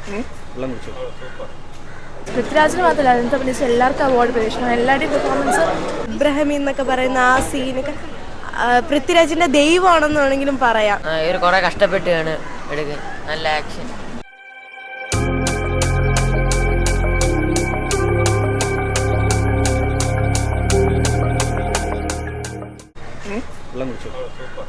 വെള്ളം കുടിച്ചു. പൃഥ്വിരാജിന് മാത്രമല്ല അതിനകത്ത് അഭിനയിച്ച എല്ലാവർക്കും അവാർഡ് പ്രതീക്ഷിക്കണം. എല്ലാവരുടെയും പെർഫോമൻസ് ഇബ്രാഹിം എന്നൊക്കെ പറയുന്ന ആ സീനൊക്കെ പൃഥ്വിരാജിന്റെ ദൈവമാണെന്ന് വേണമെങ്കിലും പറയാം. ഇവർ കുറെ കഷ്ടപ്പെട്ടാണ് എടുക്കാൻ. നല്ല ആക്ഷൻ. വെള്ളം കുടിച്ചു.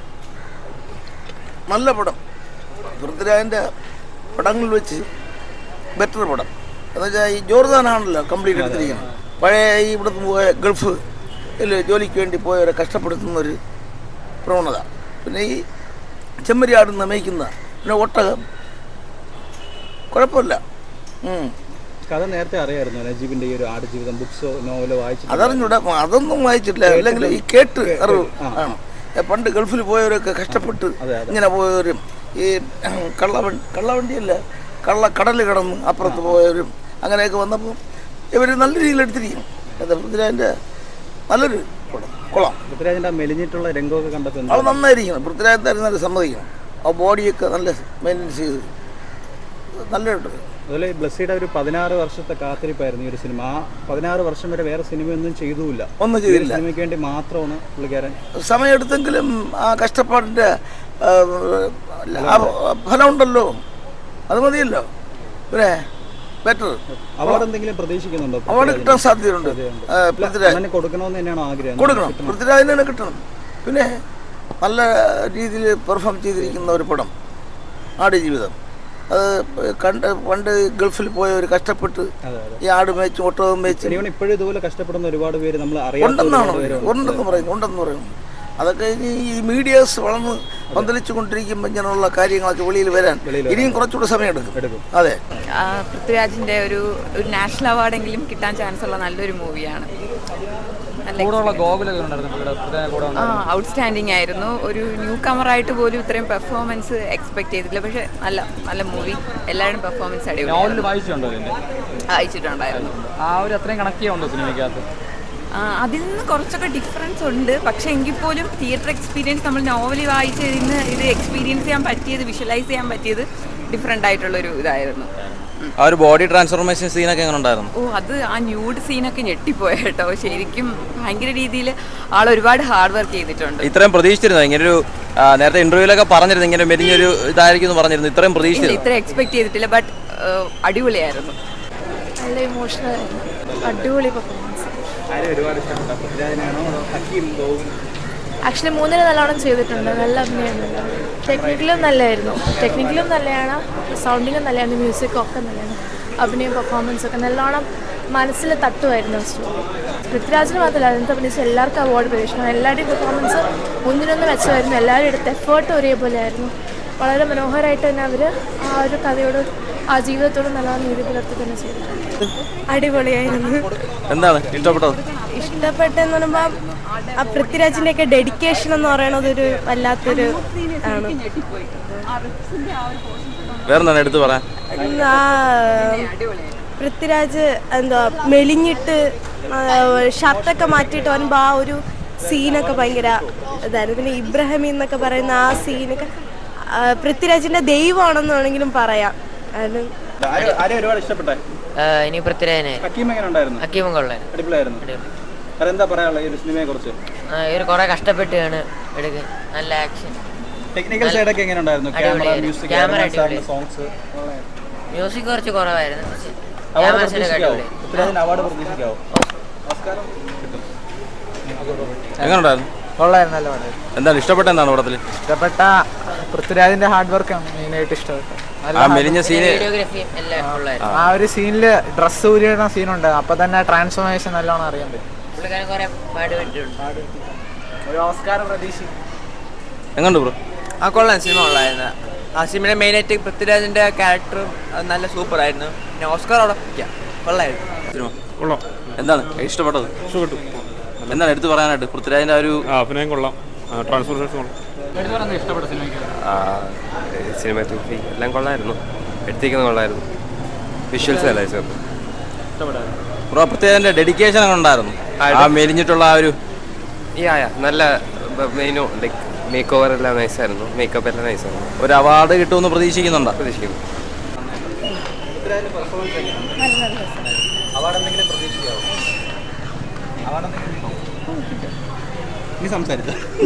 നല്ല പടം. പൃഥ്വിരാജിൻ്റെ പടങ്ങളിൽ വെച്ച് ബെറ്റർ പടം. എന്നുവെച്ചാൽ ഈ ജോർദാനാണല്ലോ കംപ്ലീറ്റ് എടുത്തിരിക്കുന്നത്. പഴയ ഈ ഇവിടുന്ന് പോയ ഗൾഫ് ജോലിക്ക് വേണ്ടി പോയവരെ കഷ്ടപ്പെടുത്തുന്നൊരു പ്രവണത. പിന്നെ ഈ ചെമ്മരിയാടുന്ന മേയ്ക്കുന്ന പിന്നെ ഒട്ടകം കുഴപ്പമില്ല. കഥ നേരത്തെ അറിയായിരുന്നു നജീബിന്റെ ഈ ഒരു ആടുജീവിതം ബുക്സോ നോവലോ വായിച്ചു? അതറിഞ്ഞൂടെ, അതൊന്നും വായിച്ചിട്ടില്ല. അല്ലെങ്കിൽ ഈ കേട്ട് അറിവ് ആണ്. പണ്ട് ഗൾഫിൽ പോയവരൊക്കെ കഷ്ടപ്പെട്ട് ഇങ്ങനെ പോയവരും ഈ കള്ളവണ്ടിയല്ല കടൽ കടന്ന് അപ്പുറത്ത് പോയവരും അങ്ങനെയൊക്കെ വന്നപ്പോൾ ഇവർ നല്ല രീതിയിൽ എടുത്തിരിക്കും. പൃഥ്വിരാജിൻ്റെ നല്ലൊരു പടം കൊള്ളാം. പൃഥ്വിരാജിൻ്റെ മെലിഞ്ഞിട്ടുള്ള രംഗമൊക്കെ കണ്ടപ്പോൾ അത് നന്നായിരിക്കണം. പൃഥ്വിരാജ് തരുന്നത് സമ്മതിക്കണം. ആ ബോഡിയൊക്കെ നല്ല മെയിൻ്റെനൻസ് ചെയ്ത് നല്ലതായിട്ട്. അതുപോലെ ബ്ലസ്സിയുടെ ഒരു 16 വർഷത്തെ കാത്തിരിപ്പായിരുന്നു ഈ ഒരു സിനിമ. ആ 16 വർഷം വരെ വേറെ സിനിമയൊന്നും ചെയ്തുമില്ല. ഒന്നും ചെയ്തില്ല. സിനിമയ്ക്ക് വേണ്ടി മാത്രമാണ് പുള്ളിക്കാരൻ സമയമെടുത്തെങ്കിലും ആ കഷ്ടപ്പാടിൻ്റെ ഫലം ഉണ്ടല്ലോ, അത് മതിയല്ലോ. പിന്നെ ബെറ്റർ. അവാർഡ് എന്തെങ്കിലും പ്രതീക്ഷിക്കുന്നുണ്ടോ? അവാർഡ് കിട്ടാൻ സാധ്യതയുണ്ട്. പൃഥ്വിരാജ് കൊടുക്കണമെന്ന് തന്നെയാണോ ആഗ്രഹം? കൊടുക്കണം, പൃഥ്വിരാജിന് തന്നെ കിട്ടണം. പിന്നെ നല്ല രീതിയിൽ പെർഫോം ചെയ്തിരിക്കുന്ന ഒരു പടം ആടുജീവിതം. അത് പണ്ട് ഗൾഫിൽ പോയവർ കഷ്ടപ്പെട്ട് ഈ ആട് മേച്ചും ഒട്ടകം മേച്ചും ഇപ്പോഴും ഇതുപോലെ കഷ്ടപ്പെടുന്ന ഒരുപാട് പേര് നമ്മൾ ഉണ്ടെന്ന് പറയുന്നു. അതൊക്കെ ഇനി ഈ മീഡിയാസ് വളർന്ന് പന്തലിച്ചു കൊണ്ടിരിക്കുമ്പോൾ ഇങ്ങനെയുള്ള കാര്യങ്ങളൊക്കെ വെളിയിൽ വരാൻ ഇനിയും കുറച്ചുകൂടെ സമയം എടുക്കും. അതെ, പൃഥ്വിരാജിന്റെ ഒരു നാഷണൽ അവാർഡെങ്കിലും കിട്ടാൻ ചാൻസ് ഉള്ള നല്ലൊരു മൂവിയാണ്. ഔട്ട്സ്റ്റാൻഡിങ് ആയിരുന്നു. ഒരു ന്യൂ കമറായിട്ട് പോലും ഇത്രയും പെർഫോമൻസ് എക്സ്പെക്ട് ചെയ്തിട്ടില്ല. പക്ഷെ നല്ല മൂവി. എല്ലാവരും പെർഫോമൻസ് അടിപൊളി വായിച്ചിട്ടുണ്ടായിരുന്നു. അതിൽ നിന്ന് കുറച്ചൊക്കെ ഡിഫറൻസ് ഉണ്ട്. പക്ഷെ എങ്കിൽ പോലും തിയേറ്റർ എക്സ്പീരിയൻസ് നമ്മൾ നോവൽ വായിച്ചതിന് ഇത് എക്സ്പീരിയൻസ് ചെയ്യാൻ പറ്റിയത്, വിഷ്വലൈസ് ചെയ്യാൻ പറ്റിയത് ഡിഫറെൻ്റ് ആയിട്ടുള്ളൊരു ഇതായിരുന്നു. ആ ഒരു ബോഡി ട്രാൻസ്ഫോർമേഷൻ സീനൊക്കെ എങ്ങനെ ഉണ്ടായിരുന്നു? അത് ആ ന്യൂഡ് സീനൊക്കെ ഞെട്ടിപ്പോയ കേട്ടോ. ശരിക്കും ഭയങ്കര രീതിയിൽ ആൾ ഒരുപാട് ഹാർഡ് വർക്ക് ചെയ്തിട്ടുണ്ട്. ഇത്രയും പ്രതീക്ഷിച്ചിരുന്നു? ഇങ്ങനൊരു നേരത്തെ ഇന്റർവ്യൂലൊക്കെ പറഞ്ഞിരുന്നു ഇങ്ങനെ മെലിഞ്ഞൊരു ഇതായിരിക്കും പറഞ്ഞിരുന്നു. ഇത്രയും പ്രതീക്ഷിച്ചില്ല, ഇത്ര എക്സ്പെക്ട് ചെയ്തിട്ടില്ല. ബട്ട് അടിപൊളിയായിരുന്നു. നല്ല ഇമോഷണൽ ആയിരുന്നു. അടിപൊളി പെർഫോമൻസ്. ആക്ച്വലി മൂന്നിന് നല്ലോണം ചെയ്തിട്ടുണ്ട്. നല്ല അഭിനയമുണ്ട്. ടെക്നിക്കലും നല്ലതാണ്. സൗണ്ടിങ്ങും നല്ലതാണ്. മ്യൂസിക്കും ഒക്കെ നല്ലതാണ്. അഭിനയം പെർഫോമൻസ് ഒക്കെ നല്ലോണം മനസ്സിൽ തട്ടുമായിരുന്നു. പൃഥ്വിരാജിന് മാത്രമല്ല അതിനകത്ത് അഭിനയിച്ച എല്ലാവർക്കും അവാർഡ് പ്രതീക്ഷിക്കണം. എല്ലാവരുടെയും പെർഫോമൻസ് ഒന്നിനൊന്ന് മെച്ചമായിരുന്നു. എല്ലാവരും എടുത്ത എഫേർട്ട് ഒരേപോലെ ആയിരുന്നു. വളരെ മനോഹരമായിട്ട് തന്നെ അവർ ആ ഒരു കഥയോട് ആ ജീവിതത്തോട് നല്ലോണം നീതി പുലർത്തി തന്നെ ചെയ്തിട്ടുണ്ട്. അടിപൊളിയായിരുന്നു. എന്താണ് ഇഷ്ടപ്പെട്ടത്? ഇഷ്ടപ്പെട്ടെന്ന് പറയുമ്പോൾ ആ പൃഥ്വിരാജിൻ്റെ ഒക്കെ ഡെഡിക്കേഷൻ എന്ന് പറയുന്നത് ഒരു വല്ലാത്തൊരു ആണ്. വേറെന്താണ് എടുത്തു പറയാൻ? പൃഥ്വിരാജ് എന്താ മെലിഞ്ഞിട്ട് ഷർട്ടൊക്കെ മാറ്റിയിട്ട് വരുമ്പോൾ ആ ഒരു സീനൊക്കെ ഭയങ്കര ഇതായിരുന്നു. പിന്നെ ഇബ്രാഹിം എന്നൊക്കെ പറയുന്ന ആ സീനൊക്കെ പൃഥ്വിരാജിന്റെ ദൈവമാണെന്ന് വേണമെങ്കിലും പറയാം. ഇനി പൃഥ്വിരാജിനെ ഹക്കീമും കൊള്ളായിരുന്നു. ഇവർ കുറെ കഷ്ടപ്പെട്ടാണ് എടുക്കാൻ. നല്ല ആക്ഷൻ. ക്യാമറ അടിപൊളി. മ്യൂസിക് കുറച്ച് കുറവായിരുന്നു. എങ്ങനെയുണ്ടായിരുന്നു? കൊള്ളായിരുന്നു. നല്ല പടം. എന്താണ് ഇഷ്ടപ്പെട്ട? എന്താണ് പടത്തിൽ ഇഷ്ടപ്പെട്ട? പൃഥ്വിരാജിന്റെ ഹാർഡ് വർക്കാണ് മെയിനായിട്ട് ഇഷ്ടപ്പെട്ടത്. മെലിഞ്ഞ സീന്, ആ ഒരു സീനില് ഡ്രസ് ഊരിയിടുന്ന സീനുണ്ട്. അപ്പൊ തന്നെ ട്രാൻസ്ഫോർമേഷൻ നല്ലോണം അറിയാൻ പറ്റും. ഒരു ഓസ്കാർ പ്രതീക്ഷിക്കും. എങ്ങനെയുണ്ട് ബ്രോ? കൊള്ളാം. സിനിമ കൊള്ളായിരുന്നു. ആ സിനിമയുടെ മെയിനായിട്ട് പൃഥ്വിരാജിന്റെ ക്യാരക്ടറും നല്ല സൂപ്പർ ആയിരുന്നു. പിന്നെ ഓസ്കാർ അവിടെ കൊള്ളായിരുന്നു. സിനിമ കൊള്ളാം. എന്താണ് ഇഷ്ടപ്പെട്ടത്? ഇഷ്ടപ്പെട്ടു. എന്താണ് എടുത്തു പറയാനായിട്ട്? പൃഥ്വിരാജിന്റെ ഒരു അഭിനയം കൊള്ളാം. ട്രാൻസ്ഫോർമേഷൻ കൊള്ളാം. സിനിമാറ്റോഗ്രഫി എല്ലാം കൊള്ളായിരുന്നു. എടുത്തിരിക്കുന്നത് കൊള്ളായിരുന്നു. വിഷ്വൽസ് അല്ലായിരുന്നു. ബ്രോ പൃഥ്വിരാജിന്റെ ഡെഡിക്കേഷൻ അങ്ങനെ ഉണ്ടായിരുന്നു? ആ മെലിഞ്ഞിട്ടുള്ള ആ ഒരു നല്ല മെയിനോ ലൈക്ക് മേക്ക് ഓവർ എല്ലാം നൈസായിരുന്നു. മേക്കപ്പ് എല്ലാം നൈസായിരുന്നു. ഒരു അവാർഡ് കിട്ടുമെന്ന് പ്രതീക്ഷിക്കുന്നുണ്ടോ? പ്രതീക്ഷിക്കുന്നു. പൃഥ്വിരാജിന്റെ പെർഫോമൻസ് എങ്ങനെയാണ്? അവാർഡ് എന്തെങ്കിലും പ്രതീക്ഷിക്കാവോ? അവാർഡ് എന്തെങ്കിലും നീ സംസാരിച്ചോ?